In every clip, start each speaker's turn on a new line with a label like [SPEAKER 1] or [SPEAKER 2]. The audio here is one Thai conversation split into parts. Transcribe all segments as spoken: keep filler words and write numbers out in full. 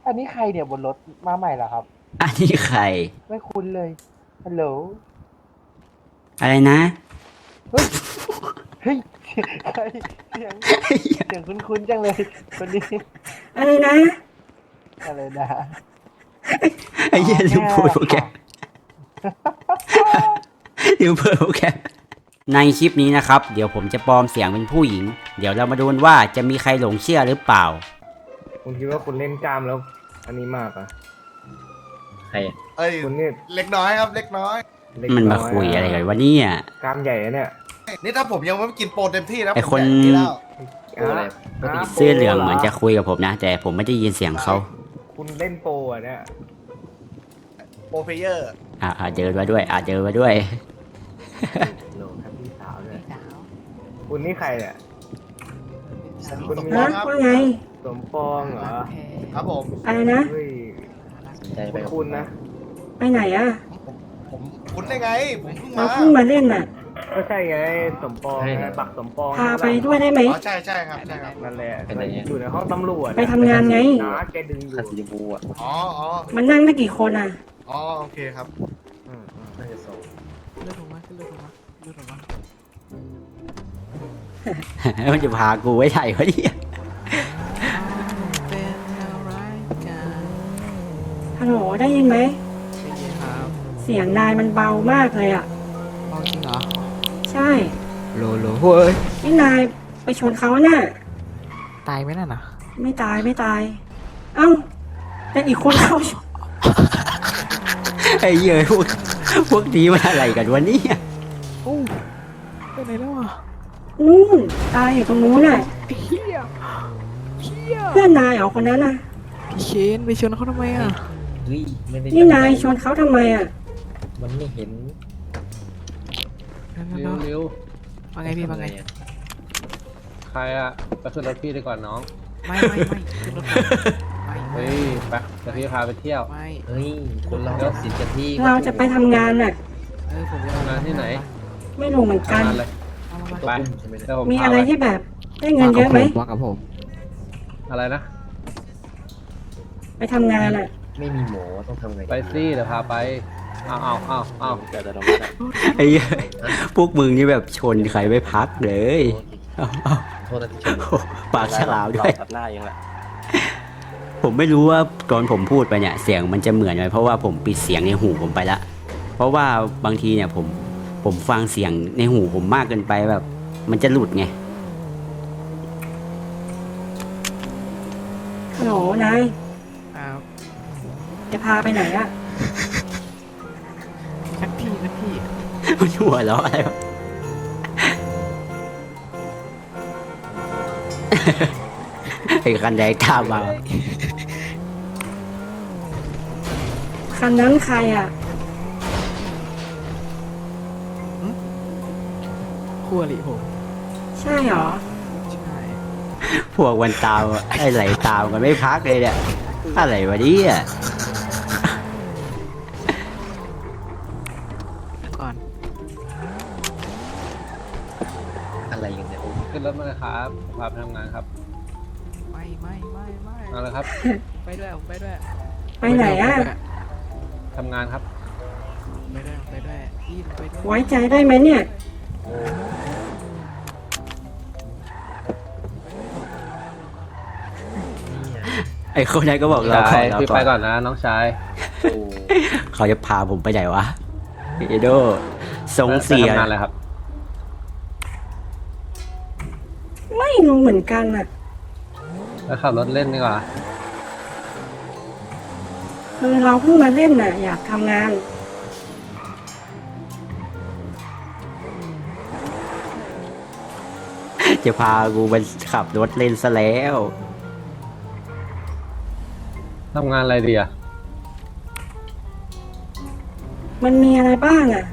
[SPEAKER 1] อันนี้ใครเนี่ยบนรถมาใหม่เหรอครับ
[SPEAKER 2] อันนี้ใคร
[SPEAKER 1] ไม่คุ้นเลยฮัลโหล
[SPEAKER 2] อะไรนะ
[SPEAKER 1] เฮ้ยเฮ้ยใครเสียงเสียงคุ้นๆจังเลยคนนี้
[SPEAKER 2] อะไรนะ
[SPEAKER 1] อะไรนะ
[SPEAKER 2] ไอ้เหี้ยลืมพูดโปรแกรมลืมเปิดโปรแกรมในคลิปนี้นะครับเดี๋ยวผมจะปลอมเสียงเป็นผู้หญิงเดี๋ยวเรามาดูกันว่าจะมีใครหลงเชื่อหรือเปล่า
[SPEAKER 3] คุณคิดว่าคุณเล่นกล้ามแล้ว อันนี้มากอ่ะ
[SPEAKER 4] ใคร
[SPEAKER 5] เอ้ย
[SPEAKER 3] คุณนี่
[SPEAKER 5] เล็กน้อยครับเล็กน้อย
[SPEAKER 2] มันมาคุยอะไรกันวะเนี่ย
[SPEAKER 3] กล้ามใหญ่เนี่ย
[SPEAKER 5] นี่ถ้าผมยังไม่กินโปรเต็มที่นะ
[SPEAKER 2] ไอคนเสื้อเหลืองเหมือนจะคุยกับผมนะแต่ผมไม่ได้ยินเสียงเขา
[SPEAKER 3] คุณเล่นโปรอ่ะเนี่ย
[SPEAKER 5] โปรเพเยอร์
[SPEAKER 2] อ่าเจอมาด้วยอ่าเจอมาด้วย
[SPEAKER 3] โหลครับพี่สาวเลยคุณนี่ใครเนี่ย
[SPEAKER 5] คุณมีครับ
[SPEAKER 6] ว่าไง
[SPEAKER 3] สมปองเหรอ
[SPEAKER 5] ครับผม
[SPEAKER 6] อะไรนะ
[SPEAKER 3] สนใจไปคุณนะ
[SPEAKER 6] ไปไหนอ่ะ
[SPEAKER 5] ผมคุณได้ไงผมเพิ่งมา
[SPEAKER 6] เราเพิ่งมาเล่นน่ะ
[SPEAKER 3] ก็ใช่ไงสมปองปักสมปอง
[SPEAKER 6] พาไปด้วยได้ไหม
[SPEAKER 5] อ๋อใช่ใช่ครับใช่ครับ
[SPEAKER 3] นั่นแหละอยู่ในห้องตำรวจ
[SPEAKER 6] ไปทำงานไง
[SPEAKER 3] นะแกดึงอยู่
[SPEAKER 4] คันสีชมพูอ่ะ
[SPEAKER 5] อ๋ออ๋อ
[SPEAKER 6] มันนั่งได้กี่คนอ่ะ
[SPEAKER 5] อ๋อโอเคครับ
[SPEAKER 4] น่าจะสอง
[SPEAKER 7] เลือดออกมาเลือดออกมาเลือดออกมา
[SPEAKER 2] มันจะพากูไว้ไหนวะเนี่ย
[SPEAKER 6] ฮัลโหลได้ยินไหม
[SPEAKER 7] ได้ยินครับ
[SPEAKER 6] เสียงนายมันเบามากเลยอ่ะ
[SPEAKER 7] เบาจริงเหรอ
[SPEAKER 6] ใช่
[SPEAKER 7] โลโลเฮ้ย
[SPEAKER 6] นี่นายไปชนเขาน่ะ
[SPEAKER 7] ตายไหมน่ะนะ
[SPEAKER 6] ไม่ตายไม่ตายเอ้าแต่อีกคนเขา
[SPEAKER 2] ไอ้เหี้ยพวกพวกนี้มันอะไรกันวะเนี่ย
[SPEAKER 7] โอ้ไปไหนแล้วอ่ะ
[SPEAKER 6] นู่นตายอยู่ตรงนู้นน่ะ
[SPEAKER 7] เฮียเฮีย
[SPEAKER 6] เพื่อนนายเหรอคนนั้นน่ะ
[SPEAKER 7] พี่เคนไปชนเขาทำไมอ่ะ
[SPEAKER 4] เฮ้ยไม่ได้
[SPEAKER 6] นี่นายชนเขาทำไมอ่ะ
[SPEAKER 4] มันไม่เห็น
[SPEAKER 7] เร็วเร็วว่าไงพี่ว่าไง
[SPEAKER 8] ใครอะไปขึ้นรถพี่ดีกว่าน้อง
[SPEAKER 7] ไม่ไม่ไม่ขึ้นรถไม่
[SPEAKER 8] เฮ้ยไปจะพี่พาไปเที่ยว
[SPEAKER 7] ไม่
[SPEAKER 4] เฮ้ยคนเราก็สิทธิ์จะที่
[SPEAKER 6] เราจะไปทำงานน่ะ
[SPEAKER 7] เออผมจะ
[SPEAKER 8] ทำงานที่ไหน
[SPEAKER 6] ไม่รู้เหมือนกัน
[SPEAKER 8] ไป
[SPEAKER 6] มีอะไรที่แบบได้เงินเยอะไหม
[SPEAKER 7] ว่ากับผม
[SPEAKER 8] อะไรนะ
[SPEAKER 6] ไปทำงานอ่ะ
[SPEAKER 4] ไม่มีหมอต้องทำไง
[SPEAKER 8] ไปสิเดี๋ยวพาไปเอาเอาเอาเอา
[SPEAKER 4] เดี๋ยวเรา
[SPEAKER 2] ไอ้พวกมึงนี่แบบชนใครไม่พักเลย
[SPEAKER 4] โทษนะที่ชน
[SPEAKER 2] ปากฉลามด้วย
[SPEAKER 4] ตัดหน้ายังแหละ
[SPEAKER 2] ผมไม่รู้ว่าตอนผมพูดไปเนี่ยเสียงมันจะเหมือนไหมเพราะว่าผมปิดเสียงในหูผมไปละเพราะว่าบางทีเนี่ยผมผมฟังเสียงในหูผมมากเกินไปแบบมันจะหลุดไง
[SPEAKER 6] ฮัลโหลนายจะพาไปไหนอะ
[SPEAKER 7] นักพี่นักพี่
[SPEAKER 2] มันหัวเราะอะไรวะไอ้คันแดงตามมา
[SPEAKER 6] คันนั้นใครอะ
[SPEAKER 7] คู่อริผม
[SPEAKER 6] ใช่หรอ
[SPEAKER 7] ใช่
[SPEAKER 2] พวกวันตามไอ้ไหลตามกันไม่พักเลยเนี่ยอะไรวะเนี่ย
[SPEAKER 7] ก่อน
[SPEAKER 4] อะไรอย่างเงี้ย
[SPEAKER 8] ขึ้นรถมาเลยครับพาไปทำงานครับ
[SPEAKER 7] ไม่ไม่ไม่ไม่
[SPEAKER 8] เอาเลยครับ
[SPEAKER 7] ไปด้วยไปด้วย
[SPEAKER 6] ไปไหนอะ
[SPEAKER 8] ทำงานครับ
[SPEAKER 7] ไปด้วยไปด้วยพี่ไปด้วย
[SPEAKER 6] ไว้ใจได้ไหมเนี่ย
[SPEAKER 2] ไอ้คนนั้นก็บอกเรา
[SPEAKER 8] ขอเราพี่ไปก่อนนะน้องชาย
[SPEAKER 2] เขาจะพาผมไปไหนวะเอโดทรงเสีย
[SPEAKER 8] อะไรครับ
[SPEAKER 6] ไม่รู้เหมือนกันอ่ะ
[SPEAKER 8] แล้วขับรถเล่นดีกว่า
[SPEAKER 6] คือเราเพิ่งมาเล่นน่ะอยากทำงาน
[SPEAKER 2] จะพากูไปขับรถเล่นซะแล้ว
[SPEAKER 8] ทำงานอะไรดีอะ
[SPEAKER 6] มันมีอะไรบ้างอ่ะ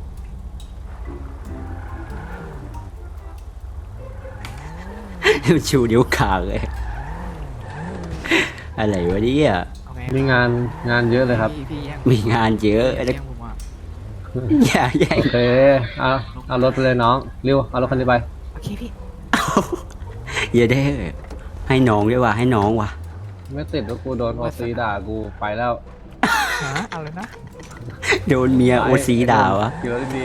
[SPEAKER 2] ชูนิ้วขางเลยอะไรวะเนี่ย
[SPEAKER 8] มีงานงานเยอะเลยครับ
[SPEAKER 2] มีงานเยอะอย่าแย่ง
[SPEAKER 8] โอเคเอาเอารถไปเลยน้องเร็วเอารถคันนี้ไป
[SPEAKER 7] โอเคพี่
[SPEAKER 2] อย่าได้ให้น้องด้วยว่ะให้น้องว่ะ
[SPEAKER 8] ไม่ติดว่ากูโดนโอซีด่ากูไปแล้ว
[SPEAKER 7] หาอะไรนะ
[SPEAKER 2] โดนเมียโอซีด่าวะ
[SPEAKER 8] เยอะดี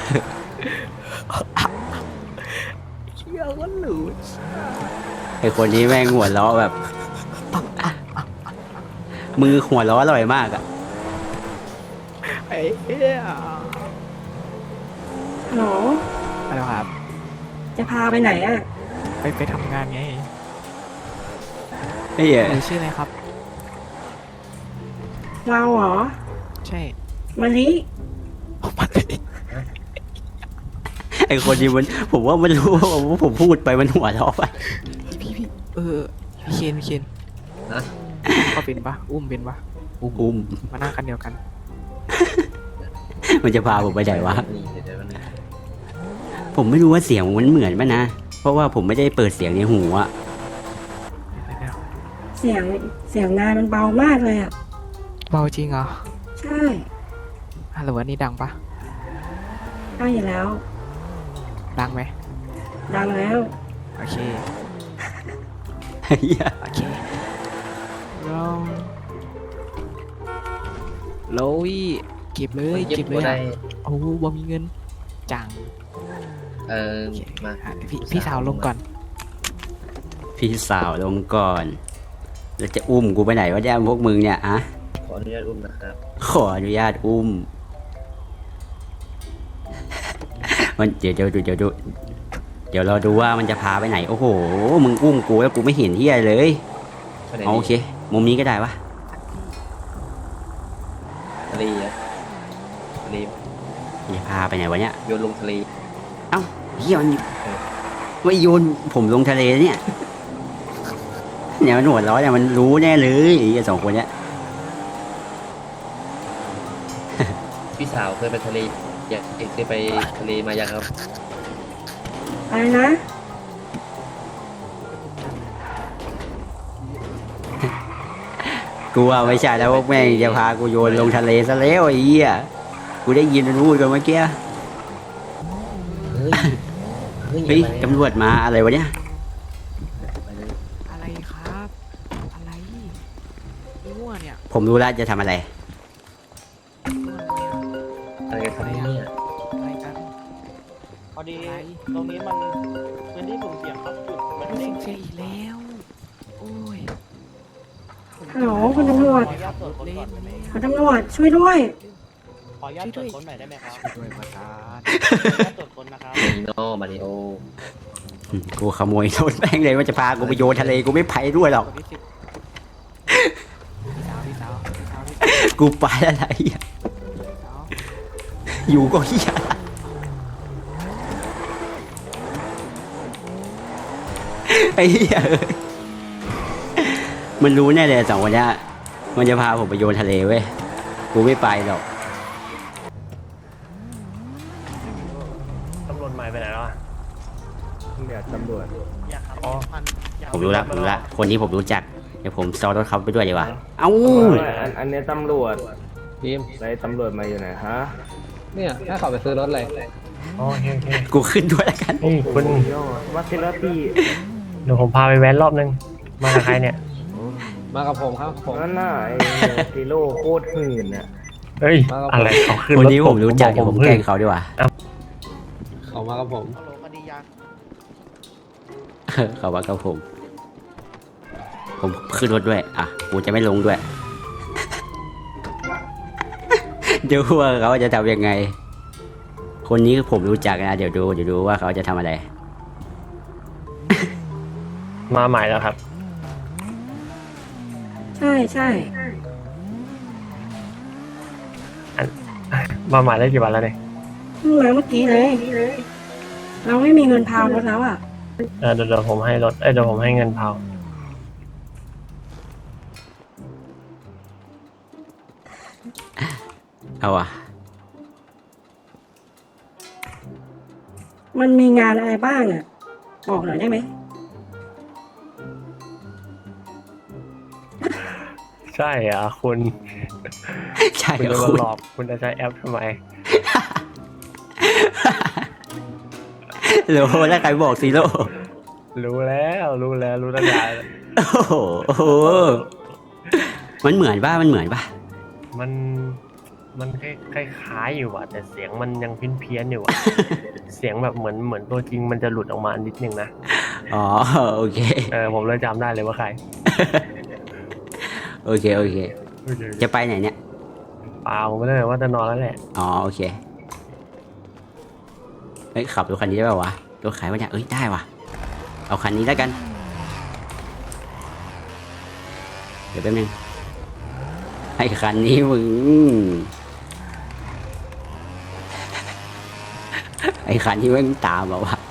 [SPEAKER 7] เชี่ยก็หลุด
[SPEAKER 2] ไอคนนี้แม่งหัวล้อแบบ มือหัวล้ออร่อยมากอะ
[SPEAKER 7] ไอ้เหี้ย
[SPEAKER 6] ฮัลโหล
[SPEAKER 7] อะไรครับ
[SPEAKER 6] จะพาไปไหนอ่ะ
[SPEAKER 7] ไปไปทำงานไง
[SPEAKER 2] ไอ้เหี้ย
[SPEAKER 7] หนูชื่ออะไรครับ
[SPEAKER 6] เราเหรอ
[SPEAKER 7] ใช่
[SPEAKER 6] มะลิ
[SPEAKER 7] ผมมาเลย
[SPEAKER 2] ไอคนนี้มันผมว่ามันรู้ว่าผมพูดไปมันหัวล้อไป
[SPEAKER 7] พี่พี่เออพี่เคนพี่เคน
[SPEAKER 4] นะ
[SPEAKER 7] เขาเป็นปะอุ้มเป็นปะ
[SPEAKER 2] อุ้ม
[SPEAKER 7] มานั่งกันเดียวกัน
[SPEAKER 2] มันจะพาผมไปไหนวะ
[SPEAKER 4] นี่เดี๋ยวเดี๋ยวมัน
[SPEAKER 2] ผมไม่รู้ว่าเสียงมันเหมือนป่ะนะ เพราะว่าผมไม่ได้เปิดเสียงในหูอะ
[SPEAKER 6] เสียงเสียงนายมันเบามากเลยอ่ะ
[SPEAKER 7] เบาจริงเหรอ
[SPEAKER 6] ใช่
[SPEAKER 7] ฮัลโหลอันนี้ดังปะ
[SPEAKER 6] ได้อยู่แล้ว
[SPEAKER 7] ดังไหม
[SPEAKER 6] ดังแล้ว
[SPEAKER 7] โอเค
[SPEAKER 2] ไอ้เหี้ย
[SPEAKER 7] โอเคเราโลวี่เก็บเลยเก็บเลย
[SPEAKER 4] ได้
[SPEAKER 7] อะโอ้บ่มีเงินจัง
[SPEAKER 4] เออ
[SPEAKER 7] โอเค
[SPEAKER 4] มา
[SPEAKER 7] อ่ะพี่พี่สาวลงก่อน
[SPEAKER 2] พี่สาวลงก่อน แล้วจะอุ้มกูไปไหนวะเนี่ยพวกมึงเนี่ยอะ
[SPEAKER 4] ขออนุญาตอุ้มนะครับ
[SPEAKER 2] ขออนุญาตอุ้ม มันเดี๋ยวเดี๋ยวดูเดี๋ยวดูเดี๋ยวเราดูว่ามันจะพาไปไหน โอ้โห มึงอุ้มกูแล้วกูไม่เห็นที่อะไรเลย
[SPEAKER 4] ไปไหน
[SPEAKER 2] เอาโอเค มุมนี้ก็ได้วะ
[SPEAKER 4] ทะเลอะทะเล
[SPEAKER 2] จะพาไปไหนวะเนี่ย
[SPEAKER 4] โยนลงทะเล
[SPEAKER 2] เอ้าเฮียมันไม่โยนผมลงทะเลเนี่ยเนี่ยมันหัวเร้อนเนี่ยมันรู้แน่เลยไอ้เหี้ยสองคนเนี้ย
[SPEAKER 4] พี่สาวเคยไปทะเลอยากเคยไปทะเลมายังครับ
[SPEAKER 6] อะไรนะ
[SPEAKER 2] กูว่าไม่ใช่แล้วพวกแม่งจะพากูโยนลงทะเลซะแล้วไอ้เหี้ยกูได้ยินมันพูดกันเมื่อกี้
[SPEAKER 4] เฮ้ยเฮ้ย
[SPEAKER 2] เฮ้ย
[SPEAKER 4] อย่า
[SPEAKER 2] ตำรวจมาอะไรวะเนี่ย
[SPEAKER 4] ไปเลย
[SPEAKER 7] อะไรครับ อะไรมั่วเนี่ย
[SPEAKER 2] ผมรู้แล้วจะทำอะไร
[SPEAKER 4] อะไรกันครับเนี่ย
[SPEAKER 7] อะไรกัน
[SPEAKER 1] พอดี
[SPEAKER 7] อะไร
[SPEAKER 1] ตรงนี้มันพื้นที่สุ่มเสี่ยงครับจุดมัน
[SPEAKER 7] ไม่
[SPEAKER 1] เด้
[SPEAKER 7] สิ
[SPEAKER 1] ง
[SPEAKER 7] งเสียอีกแล้ว โอ้ย
[SPEAKER 6] ฮัลโหลคุณตำรวจ
[SPEAKER 1] ขออนุญาตตรวจค้นก่อนได้ไหม
[SPEAKER 6] คุณตำรวจช่วยด้วย
[SPEAKER 1] ขออนุญาตตรวจค้นหน่อยได้ไหมครับ
[SPEAKER 7] ด้วยประธาน
[SPEAKER 1] ขออนุญาตตรวจค้นนะครับ
[SPEAKER 4] มาริโนมาริโอ
[SPEAKER 2] อืมกูขโมยรถแม่งเลยว่าจะพากูไปโยนทะเลกูไม่ไปด้วยหรอก
[SPEAKER 7] คนที่สิบพี่สาวพี่สาวพี่สาวพี่สาว
[SPEAKER 2] กูไปอะไรอ่ะ
[SPEAKER 7] พี่สาว
[SPEAKER 2] อยู่ก็เฮียไอ้เหี้ยเอ้ยมันรู้แน่เลยสองคนเนี้ยมันจะพาผมไปโยนทะเลเว้ยกูไม่ไปหรอก
[SPEAKER 1] ตำรวจใหม่ไปไหนแล้วอ่ะ
[SPEAKER 3] เดี๋ยวตำรวจ
[SPEAKER 1] อยากขับพันอยาก
[SPEAKER 2] ผมรู้ละผมรู้ละคนนี้ผมรู้จักเดี๋ยวผมซ้อนรถเขาไปด้วยดีกว่าเอ้า
[SPEAKER 3] อันอันนี้ตำรวจ
[SPEAKER 8] ทีม
[SPEAKER 3] ไรตำรวจมาอยู่ไหนฮะ
[SPEAKER 8] เนี่ยแค่ขอไปซื้อรถเลย
[SPEAKER 1] โอเคโอเค
[SPEAKER 2] กูขึ้นด้วยแล้วกัน
[SPEAKER 1] นี่คุณ
[SPEAKER 3] โยวัชิระพี่
[SPEAKER 1] เดี๋ยวผมพาไปแว้นรอบนึง มากับใครเนี่ย
[SPEAKER 8] มากับผมครับผม
[SPEAKER 3] นั่นน่ะไอ้ซิโร่โคตรหื่นอ่ะ
[SPEAKER 1] เฮ้ย
[SPEAKER 8] มากับผม
[SPEAKER 1] อะไรเขาขึ้น
[SPEAKER 2] คน
[SPEAKER 1] รถ
[SPEAKER 2] นี้ผมรู้จักเดี๋ยวผมแกล้ง
[SPEAKER 1] เ
[SPEAKER 2] เขาดีกว่า
[SPEAKER 8] เขามากับผม
[SPEAKER 1] ฮัลโหลคดียา
[SPEAKER 2] เออเขาว่ากับผม ผมขึ้นรถด้วย อ่ะ กูจะไม่ลงด้วย เดี๋ยวว่าเขาจะทำยังไง คนนี้ผมรู้จักนะ เดี๋ยวดู เดี๋ยวดูว่าเขาจะทำอะไร
[SPEAKER 1] มาใหม่แล้วครับ
[SPEAKER 6] ใช่ใช่
[SPEAKER 1] มาใหม่ได้กี่วันแล้วเนี่ย
[SPEAKER 6] เพิ่งมาเมื่อกี้เลย เราไม่มีเงินพาวรถแล้วอ่ะ
[SPEAKER 1] เออเดี๋ยวเดี๋ยวผมให้รถ เอ้ยเดี๋ยวผมให้เงินเผา
[SPEAKER 2] เอาอ่ะ
[SPEAKER 6] มันมีงานอะไรบ้างอ่ะ บอกหน่อยได้ไหม
[SPEAKER 1] ใช่เหรอ่ะคุณ
[SPEAKER 2] ใช่
[SPEAKER 1] คุณ
[SPEAKER 2] เหร
[SPEAKER 1] จะ
[SPEAKER 2] อ
[SPEAKER 1] มา
[SPEAKER 2] คุณ
[SPEAKER 1] หลอกคุณจะใช้แอปทำไม
[SPEAKER 2] โลแล้วใครบอกซีโร่
[SPEAKER 1] รู้แล้วรู้แล้วรู้ตั้งนาน
[SPEAKER 2] โอ้โหโอ้โหมันเหมือนป่ะมันเหมือนป่ะ
[SPEAKER 1] มันมันคล้ายๆอยู่ว่ะแต่เสียงมันยังเพี้ยนๆอยู่ว่ะ เสียงแบบเหมือนเหมือนตัวจริงมันจะหลุดออกมานิดนึงนะ
[SPEAKER 2] อ๋อโอเค
[SPEAKER 1] เออผมเลยจำได้เลยว่าใคร
[SPEAKER 2] โอเคโอเค จะไปไหนเนี่ย
[SPEAKER 1] เปล่าผมไม่ได้ว่าจะนอนแล้วแหละ
[SPEAKER 2] อ๋อโอเคเฮ้ยขับรถคันนี้ได้ป่าวะรถขายวะเนี่ยเอ้ยได้ว่ะเอาคันนี้แล้วกันเดี๋ยวแป๊บนึงไอ้คันนี้มึงไอ้คันที่มึงตามมาวะ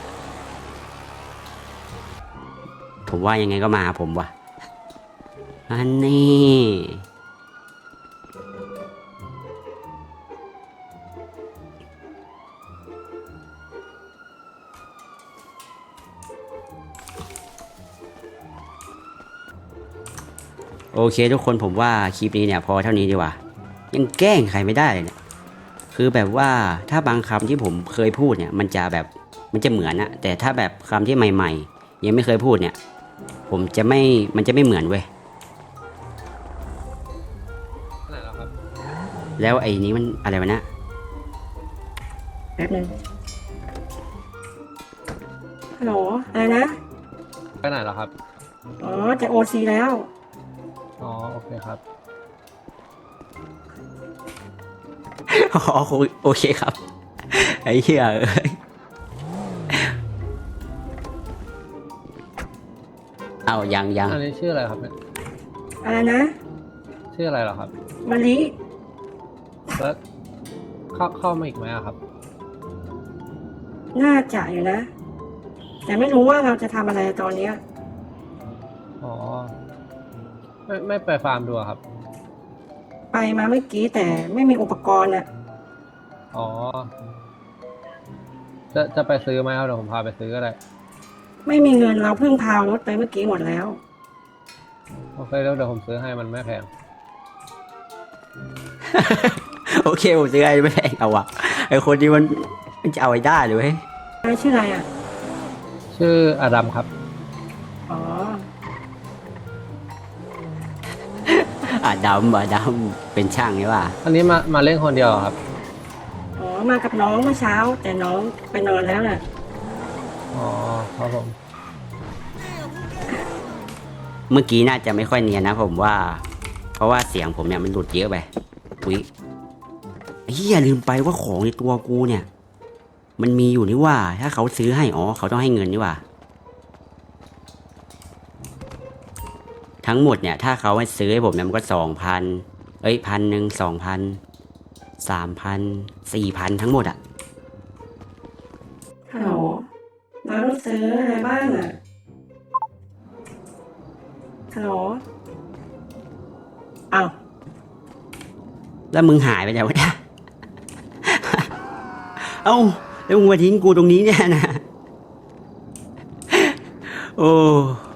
[SPEAKER 2] ผมว่ายังไงก็มาผมว่ะอันนี้โอเคทุกคนผมว่าคลิปนี้เนี่ยพอเท่านี้ดีกว่ายังแกล้งใครไม่ได้เลยเนี่ยคือแบบว่าถ้าบางคำที่ผมเคยพูดเนี่ยมันจะแบบมันจะเหมือนอะแต่ถ้าแบบคำที่ใหม่ๆยังไม่เคยพูดเนี่ยผมจะไม่มันจะไม่เหมือนเว้ย
[SPEAKER 8] ไหนแล้วครับ
[SPEAKER 2] แล้วไอ้นี้มันอะไรวะเนะ
[SPEAKER 6] แป๊บนึงฮัลโหลอะไรนะ
[SPEAKER 8] ไปไหนแล้วครับ
[SPEAKER 6] อ๋อจะโอซีแล้ว
[SPEAKER 8] อ๋อ โอเคครับ
[SPEAKER 2] อ๋อโอเคครับไอ้เหี้ยเอ้ยเอายังยัง
[SPEAKER 8] อันนี้ชื่ออะไรครับเนี่ย
[SPEAKER 6] อะไรนะ
[SPEAKER 8] ชื่ออะไรเหรอครับ
[SPEAKER 6] มะลิ
[SPEAKER 8] แล้วเข้าเข้ามาอีกไหมอะครับ
[SPEAKER 6] น่าจะอยู่นะ แต่ไม่รู้ว่าเราจะทำอะไรตอนเนี้ย
[SPEAKER 8] อ๋อ ไม่ไม่ไปฟาร์มดูอะครับ
[SPEAKER 6] ไปมาเมื่อกี้แต่ไม่มีอุปกรณ์อะ
[SPEAKER 8] อ๋อ จะจะไปซื้อไหมครับเดี๋ยวผมพาไปซื้อก็ได้
[SPEAKER 6] ไม่มีเงินเราเพิ่งพาวรถไปเมื่อกี้หมดแล้ว
[SPEAKER 8] โอเคแล้วเดี๋ยวผมซื้อให้มันไม่แพง
[SPEAKER 2] โอเคผมซื้อไอ้ไม่แพงเอาวะไอ้คนนี้มันมันจะเอาไอ้ได้เลยเว้ย
[SPEAKER 6] อะไรชื่ออะไรอะ
[SPEAKER 8] ชื่ออดัมครับ
[SPEAKER 6] อ๋อ
[SPEAKER 2] อ่ะดำอ่ะดำเป็นช่างใช่ป่ะ
[SPEAKER 8] อันนี้มามาเล่นคนเดียวเหรอครับ
[SPEAKER 6] อ๋อ มากับน้องเมื่อเช้า แต่น้องไปนอนแล้วน่ะ
[SPEAKER 8] อ๋อ ครับผม
[SPEAKER 2] เมื่อกี้น่าจะไม่ค่อยเนียนนะผมว่า เพราะว่าเสียงผมเนี่ยมันหลุดเยอะไปอุ้ยเฮียลืมไปว่าของในตัวกูเนี่ย มันมีอยู่นี่ว่า ถ้าเขาซื้อให้อ๋อเขาต้องให้เงินนี่ว่า ทั้งหมดเนี่ยถ้าเขาให้ซื้อให้ผมเนี่ยมันก็สองพันเอ้ยพันหนึ่งสองพันสามพันสี่พันทั้งหมดอะ
[SPEAKER 6] ฮัลโหลเราต้องซื้ออะไรบ้างอะฮัลโหลอ้าว
[SPEAKER 2] แล้วมึงหายไปไหนวะเนี่ย เอ้าแล้วมึงมาทิ้งกูตรงนี้เนี่ยนะ โอ้